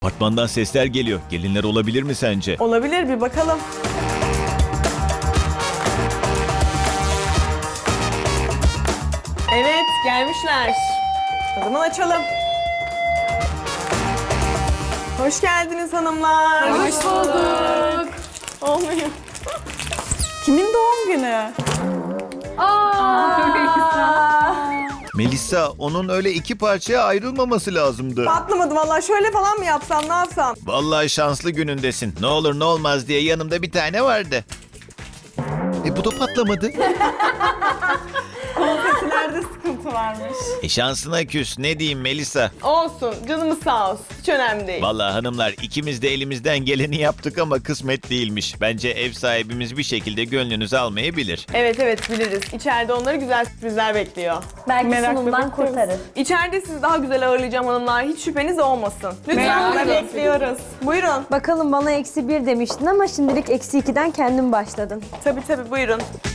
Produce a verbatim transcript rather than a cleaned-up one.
Apartmandan sesler geliyor. Gelinler olabilir mi sence? Olabilir, bir bakalım. Evet, gelmişler. O zaman açalım. Hoş geldiniz hanımlar. Hoş bulduk. Olmuyor. Kimin doğum günü? Melisa, onun öyle iki parçaya ayrılmaması lazımdı. Patlamadı vallahi. Şöyle falan mı yapsam, ne yapsam? Vallahi şanslı günündesin. Ne olur ne olmaz diye yanımda bir tane vardı. E bu da patlamadı. Konfetilerde sıkıntı varmış. E şansına küs. Ne diyeyim Melisa? Olsun, canımız sağ olsun. Hiç önemli değil. Vallahi hanımlar, ikimiz de elimizden geleni yaptık ama kısmet değilmiş. Bence ev sahibimiz bir şekilde gönlünüzü almayı bilir. Evet evet, biliriz. İçeride onları güzel sürprizler bekliyor. Belki Merakla sunumdan bekliyoruz. kurtarır. İçeride sizi daha güzel ağırlayacağım hanımlar. Hiç şüpheniz olmasın. Lütfen Merakla bekliyoruz. Buyurun. Bakalım bana eksi bir demiştin ama şimdilik eksi ikiden kendin başladın. Tabii tabii, buyurun.